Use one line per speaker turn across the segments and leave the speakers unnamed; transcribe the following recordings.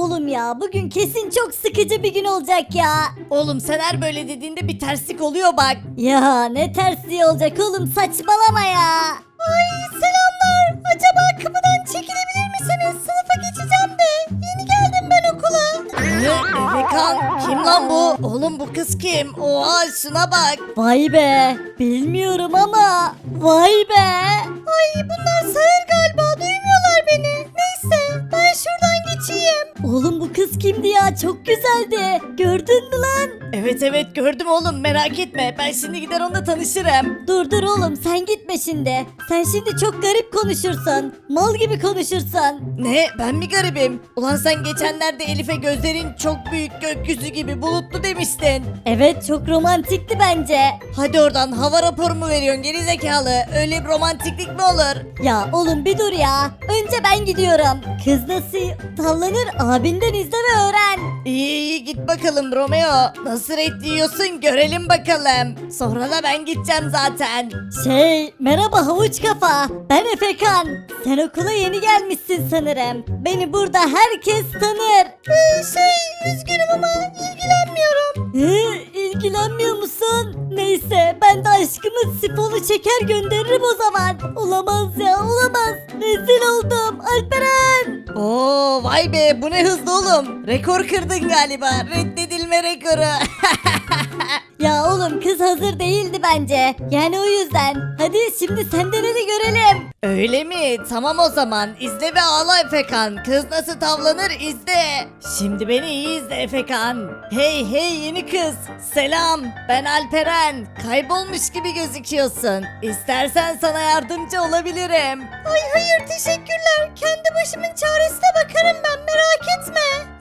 Oğlum ya bugün kesin çok sıkıcı bir gün olacak ya.
Oğlum sen her böyle dediğinde bir terslik oluyor bak.
Ya ne tersliği olacak oğlum, saçmalama ya. Ay selamlar. Acaba kapıdan çekilebilir misiniz? Sınıfa geçeceğim de. Yeni geldim ben okula.
Efekan kim lan bu? Oğlum bu kız kim? Oha şuna bak.
Vay be. Bilmiyorum ama. Vay be. Ay bunlar sağır galiba. Duymuyorlar beni. Neyse ben şuradan geçeyim. Oğlum bu kız kimdi ya? Çok güzeldi. Gördün mü lan?
Evet gördüm oğlum, merak etme. Ben şimdi gider onunla tanışırım.
Dur oğlum sen gitme şimdi. Sen şimdi çok garip konuşursun. Mal gibi konuşursun.
Ne? Ben mi garibim? Ulan sen geçenlerde Elif'e gözlerin çok büyük, gökyüzü gibi bulutlu demiştin.
Evet çok romantikti bence.
Hadi oradan, hava raporu mu veriyorsun geri zekalı? Öyle bir romantiklik mi olur?
Ya oğlum bir dur ya. Önce ben gidiyorum. Kız nasıl tavlanır abinden izle ve öğren.
İyi git bakalım Romeo. Nasıl reddiyorsun görelim bakalım. Sonra da ben gideceğim zaten.
Merhaba havuç kafa. Ben Efekan. Sen okula yeni gelmişsin sanırım. Beni burada herkes tanır. Üzgünüm ama ilgilenmiyorum. İlgilenmiyor musun? Neyse ben de aşkımın sifonu çeker gönderirim o zaman. Olamaz ya olamaz. Rezil oldum Alperen.
Oo vay be, bu ne hızlı oğlum. Rekor kırdın galiba. Reddedilme rekoru.
Ya oğlum kız hazır değildi bence. Yani o yüzden. Hadi şimdi senden hadi görelim.
Öyle mi? Tamam o zaman. İzle ve ağla Efekan. Kız nasıl tavlanır izle. Şimdi beni iyi izle Efekan. Hey yeni kız. Selam. Ben Alperen. Kaybolmuş gibi gözüküyorsun. İstersen sana yardımcı olabilirim.
Ay hayır teşekkürler. Kendi başımın çaresine bakarım ben, merak etme.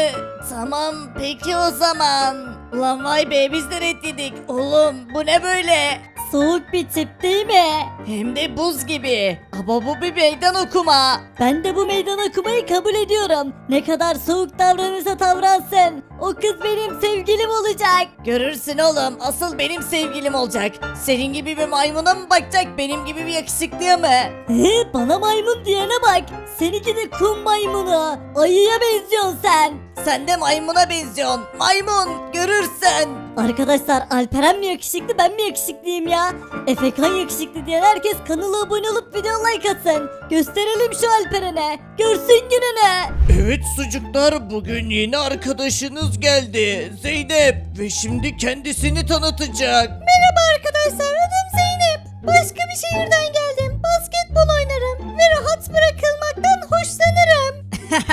Tamam peki o zaman. Ulan vay be, biz de reddedik. Oğlum bu ne böyle?
Soğuk bir tip değil mi?
Hem de buz gibi. Ama bu bir meydan okuma.
Ben de bu meydan okumayı kabul ediyorum. Ne kadar soğuk davranırsa davransın. O kız benim sevgilim olacak.
Görürsün oğlum, asıl benim sevgilim olacak. Senin gibi bir maymuna mı bakacak, benim gibi bir yakışıklıya mı?
Bana maymun diyene bak. Seninki de kum maymunu. Ayıya benziyorsun sen.
Sen de maymuna benziyorsun. Maymun, görürsün.
Arkadaşlar Alperen mi yakışıklı ben mi yakışıklıyım ya? Efekan yakışıklı diyen herkes kanala abone olup video like atsın. Gösterelim şu Alperen'e. Görsün gününü.
Evet sucuklar, bugün yeni arkadaşınız geldi Zeynep ve şimdi kendisini tanıtacak.
Merhaba arkadaşlar, adım Zeynep. Başka bir şehirden geldim. Basketbol oynarım ve rahat bırakılmaktan hoşlanırım.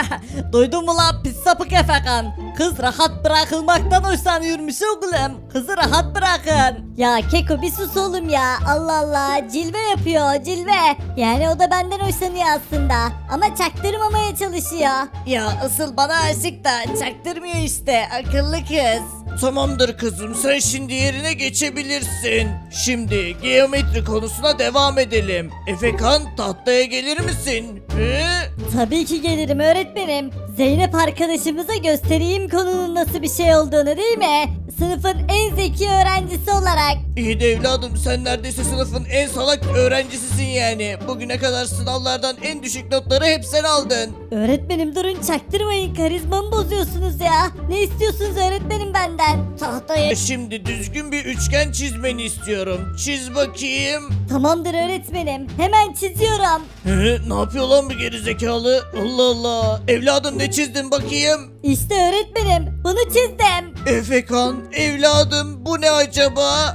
Duydun mu lan pis sapık Efekan? Kız rahat bırakılmaktan hoşlanıyormuş oğlum. Kızı rahat bırakın.
Ya Keko bir sus oğlum ya. Allah Allah, cilve yapıyor cilve. Yani o da benden hoşlanıyor aslında. Ama çaktırmamaya çalışıyor.
Ya asıl bana aşık da çaktırmıyor işte, akıllı kız.
Tamamdır kızım, sen şimdi yerine geçebilirsin. Şimdi geometri konusuna devam edelim. Efekan, tahtaya gelir misin?
Tabii ki gelirim öğretmenim. Zeynep arkadaşımıza göstereyim konunun nasıl bir şey olduğunu değil mi? Sınıfın en zeki öğrencisi olarak.
İyi de evladım, sen neredeyse sınıfın en salak öğrencisisin yani. Bugüne kadar sınavlardan en düşük notları hep sen aldın.
Öğretmenim durun çaktırmayın, karizmamı bozuyorsunuz ya. Ne istiyorsunuz öğretmenim benden? Tahtaya.
Şimdi düzgün bir üçgen çizmeni istiyorum. Çiz bakayım.
Tamamdır öğretmenim, hemen çiziyorum.
Ne yapıyor lan bu gerizekalı? Allah Allah. Evladım ne çizdin bakayım?
İşte öğretmenim bunu çizdim.
Efekan, evladım bu ne acaba?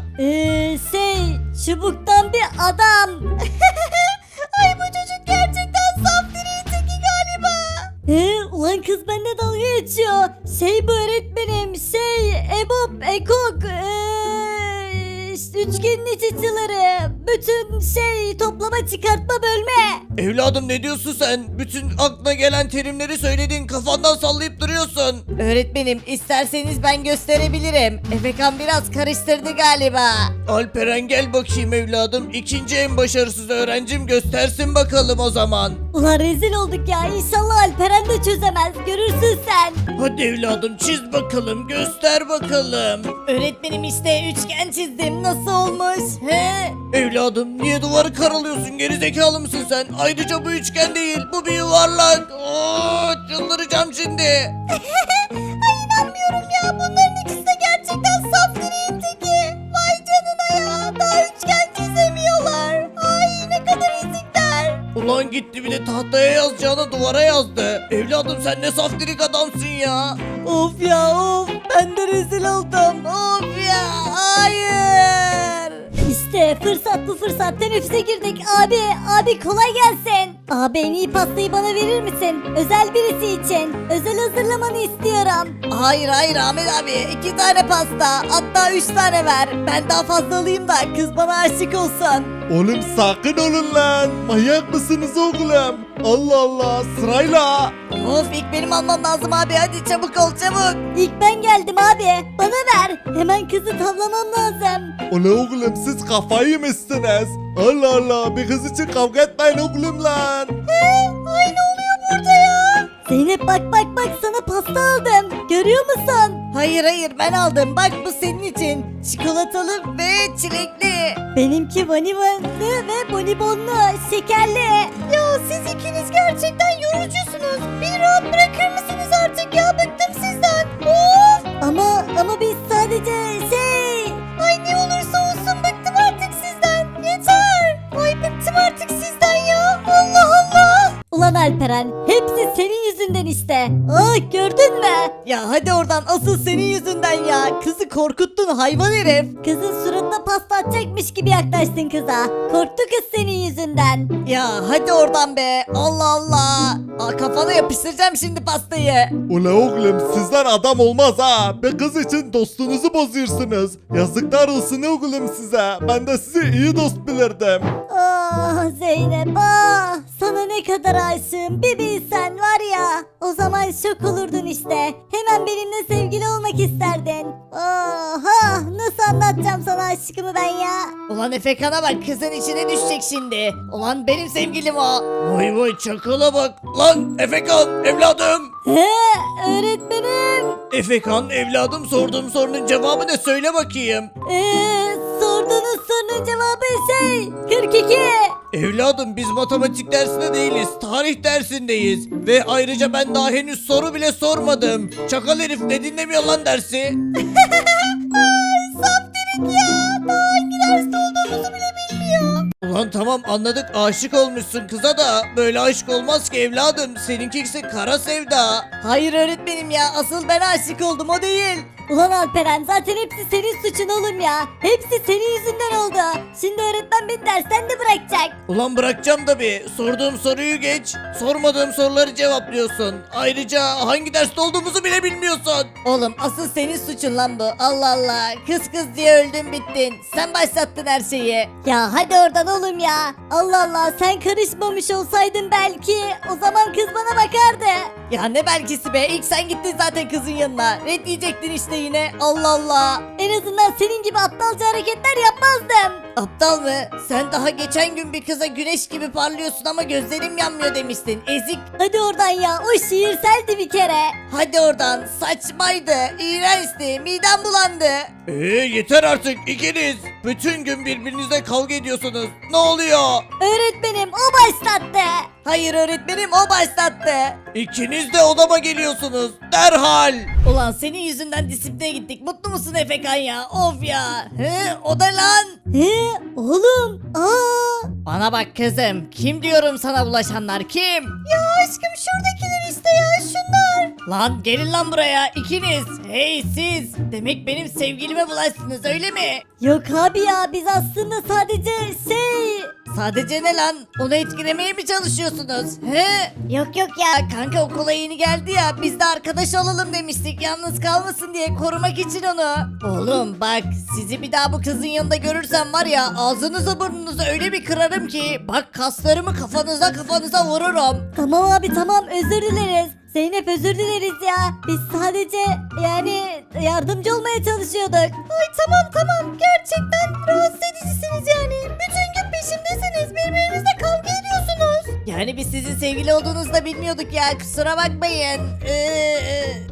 Çubuktan bir adam. Ay bu çocuk gerçekten saf direği teki galiba. Ulan kız benimle dalga geçiyor. Bu öğretmenim EBOB, EKOK, üçgenin iç açıları, bütün toplama çıkartma bölme.
Evladım ne diyorsun sen? Bütün aklına gelen terimleri söyledin, kafandan sallayıp duruyorsun.
Öğretmenim isterseniz ben gösterebilirim. Efekan biraz karıştırdı galiba.
Alperen gel bakayım evladım. İkinci en başarısız öğrencim, göstersin bakalım o zaman.
Ulan rezil olduk ya, İnşallah Alperen de çözemez, görürsün sen.
Hadi evladım çiz bakalım, göster bakalım.
Öğretmenim işte üçgen çizdim. nasıl olmuş? He?
Evladım niye duvarı karalıyorsun, gerizekalı mısın sen? Ayrıca bu üçgen değil, bu bir yuvarlak. Oo, çıldıracağım şimdi.
Ay inanmıyorum ya. Bunların ikisi de gerçekten saf direğin teki. Vay canına ya. Daha üçgen çizemiyorlar. Ay ne kadar ezikler.
Ulan gitti bir de tahtaya yazacağına duvara yazdı. Evladım sen ne saftirik adamsın ya.
Of ya of. Ben de rezil oldum. Of ya. Hayır.
İşte fırsat bu fırsat. Teneffüse girdik. Abi kolay gelsin. Abi en iyi pastayı bana verir misin? Özel birisi için. Özel hazırlamanı istiyorum.
Hayır Ahmet abi 2 tane pasta hatta 3 tane ver. Ben daha fazla alayım da kız bana aşık olsun.
Oğlum sakin olun lan. Manyak mısınız oğlum? Allah Allah sırayla.
Of ilk benim almam lazım abi hadi çabuk ol çabuk.
İlk ben geldim abi. Bana ver. Hemen kızı tavlamam lazım.
Ulan oğlum siz kafayı mısınız? Allah Allah bir kız için kavga etmeyin oğlum lan.
Ay ne oluyor burada ya? Zeynep bak sana pasta aldım. Görüyor musun?
Hayır ben aldım bak bu senin için. Çikolatalı ve çilekli.
Benimki vanivanlı ve bonibonlu, şekerli. Ya siz ikiniz gerçekten yorucusunuz. Bir rahat bırakır mısınız artık ya? Bıktım sizden. Of! Ama biz sadece Ay ne olursa olsun bıktım artık sizden. Yeter. Ay bıktım artık sizden ya. Allah Allah. Ulan Alperen, hepsi senin yüzünden işte. Ah gördün mü?
Ya hadi oradan asıl senin yüzünden ya. Kızı korkuttun hayvan herif.
Kızın suratına pasta atacakmış gibi yaklaştın kıza. Korktu kız senin yüzünden.
Ya hadi oradan be. Allah Allah. Kafana yapıştıracağım şimdi pastayı.
Ulan oğlum sizden adam olmaz ha. Bir kız için dostunuzu bozuyorsunuz. Yazıklar olsun oğlum size. Ben de sizi iyi dost bilirdim.
Ah Zeynep ah. Sana ne kadar aşığım bir bilsen var ya. O zaman şok olurdun işte. Hemen benimle sevgili olmak isterdin. Oha nasıl anlatacağım sana aşkımı ben ya.
Ulan Efekan'a bak kızın içine düşecek şimdi. Ulan benim sevgilim o.
Vay çakala bak. Lan Efekan evladım.
He öğretmenim.
Efekan evladım, sorduğum sorunun cevabı ne, söyle bakayım.
Sorduğunuz sorunun cevabı 42.
Evladım biz matematik dersinde değiliz, tarih dersindeyiz. Ve ayrıca ben daha henüz soru bile sormadım. Çakal herif ne dinlemiyor lan dersi?
Daha hangi derste olduğumuzu bile bilmiyor.
Ulan tamam anladık, aşık olmuşsun kıza da böyle aşk olmaz ki evladım. Seninkisi kara sevda.
Hayır öğretmenim ya asıl ben aşık oldum o değil.
Ulan Alperen zaten hepsi senin suçun oğlum ya. Hepsi senin yüzünden oldu. Şimdi öğretmen beni dersten de bırakacak.
Ulan bırakacağım tabi. Sorduğum soruyu geç. Sormadığım soruları cevaplıyorsun. Ayrıca hangi derste olduğumuzu bile bilmiyorsun.
Oğlum asıl senin suçun lan bu. Allah Allah. Kız diye öldün bittin. Sen başlattın her şeyi.
Ya hadi oradan oğlum ya. Allah Allah sen karışmamış olsaydın belki o zaman kız bana bakardı.
Ya ne belkisi be. İlk sen gittin zaten kızın yanına. Red diyecektin işte yine. Allah Allah.
En azından senin gibi aptalca hareketler yapmazdım.
Aptal mı? Sen daha geçen gün bir kıza güneş gibi parlıyorsun ama gözlerim yanmıyor demiştin. Ezik.
Hadi oradan ya o şiirseldi bir kere.
Hadi oradan. Saçmaydı. İğrençti. Midem bulandı.
Yeter artık ikiniz. Bütün gün birbirinizle kavga ediyorsunuz. Ne oluyor?
Öğretmenim o başlattı.
Hayır öğretmenim o başlattı.
İkiniz de odama geliyorsunuz. Derhal.
Ulan senin yüzünden disipline gittik. Mutlu musun Efekan ya? Of ya. He, o da lan.
Oğlum
Bana bak kızım. Kim diyorum sana bulaşanlar kim?
Ya aşkım şuradakiler işte ya şunlar.
Lan gelin lan buraya ikiniz. Hey siz. Demek benim sevgilime bulaştınız öyle mi?
Yok abi ya biz aslında sadece
Sadece ne lan? Onu etkilemeye mi çalışıyorsunuz? He?
Yok ya.
Ya kanka okula yeni geldi ya biz de arkadaş olalım demiştik yalnız kalmasın diye korumak için onu. Oğlum bak sizi bir daha bu kızın yanında görürsem var ya ağzınızı burnunuzu öyle bir kırarım ki bak kaslarımı kafanıza vururum.
Tamam abi tamam özür dileriz. Zeynep özür dileriz ya. Biz sadece yani yardımcı olmaya çalışıyorduk. Ay tamam gerçekten rahatsız edicisiniz yani. Bütün gün peşimdesiniz birbirinizle kavga ediyorsunuz.
Yani biz sizin sevgili olduğunuzu da bilmiyorduk ya kusura bakmayın. Çok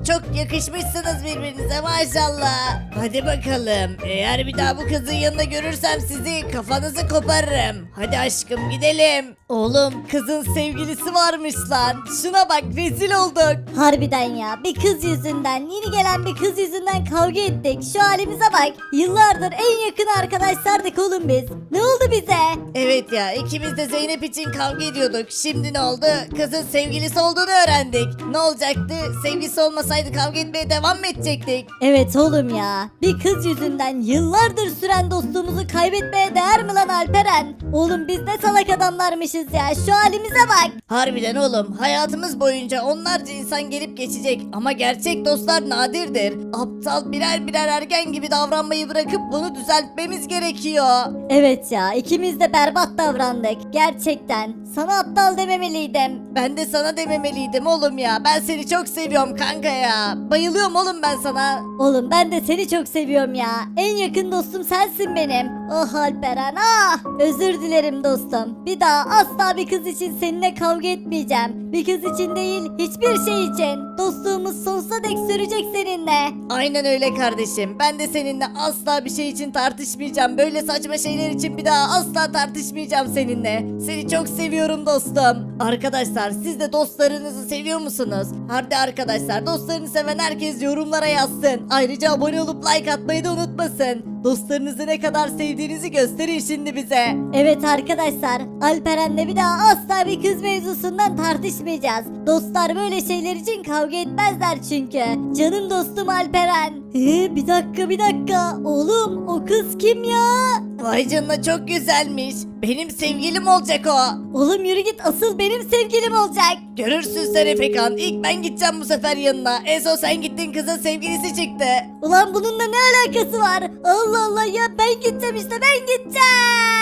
yakışmışsınız birbirinize maşallah. Hadi bakalım. Eğer bir daha bu kızın yanında görürsem sizi kafanızı koparırım. Hadi aşkım gidelim. Oğlum kızın sevgilisi varmış lan. Şuna bak rezil olduk.
Harbiden ya, bir kız yüzünden, yeni gelen bir kız yüzünden kavga ettik. Şu halimize bak. Yıllardır en yakın arkadaşlardık oğlum biz. Ne oldu bize?
Evet ya ikimiz de Zeynep için kavga ediyorduk. Şimdi ne oldu? Kızın sevgilisi olduğunu öğrendik. Ne olacaktı? Sevgilisi olmasaydı kavga etmeye devam mı edecektik?
Evet oğlum ya. Bir kız yüzünden yıllardır süren dostluğumuzu kaybetmeye değer mi lan Alperen? Oğlum biz ne salak adamlarmışız ya. Şu halimize bak.
Harbiden oğlum hayatımız boyunca onlarca insan gelip geçecek ama gerçek dostlar nadirdir. Aptal birer birer ergen gibi davranmayı bırakıp bunu düzeltmemiz gerekiyor.
Evet ya, ikimiz de berbat davrandık. Gerçekten. Sana aptal dememeliydim.
Ben de sana dememeliydim oğlum ya. Ben seni çok seviyorum kanka ya. Bayılıyorum oğlum ben sana.
Oğlum ben de seni çok seviyorum ya. En yakın dostum sensin benim. Oh Alperen ah. Özür dilerim dostum. Bir daha asla bir kız için seninle kavga etmeyeceğim. Bir kız için değil, hiçbir şey için. Dostluğumuz sonsuza dek sürecek seninle.
Aynen öyle kardeşim. Ben de seninle asla bir şey için tartışmayacağım. Böyle saçma şeyler için bir daha asla tartışmayacağım seninle. Seni çok seviyorum dostum. Arkadaşlar siz de dostlarınızı seviyor musunuz? Hadi arkadaşlar dostlarını seven herkes yorumlara yazsın. Ayrıca abone olup like atmayı da unutmasın. Dostlarınızı ne kadar sevdiğinizi gösterin şimdi bize.
Evet arkadaşlar, Alperen'le bir daha asla bir kız mevzusundan tartışmayacağız. Dostlar böyle şeyler için kavga etmezler çünkü. Canım dostum Alperen. Bir dakika. Oğlum o kız kim ya?
Vay canına çok güzelmiş. Benim sevgilim olacak o.
Oğlum yürü git, asıl benim sevgilim olacak.
Görürsün sen Efekan. İlk ben gideceğim bu sefer yanına. En son sen gittin kızın sevgilisi çıktı.
Ulan bununla ne alakası var? Allah Allah ya, ben gideceğim işte, ben gideceğim.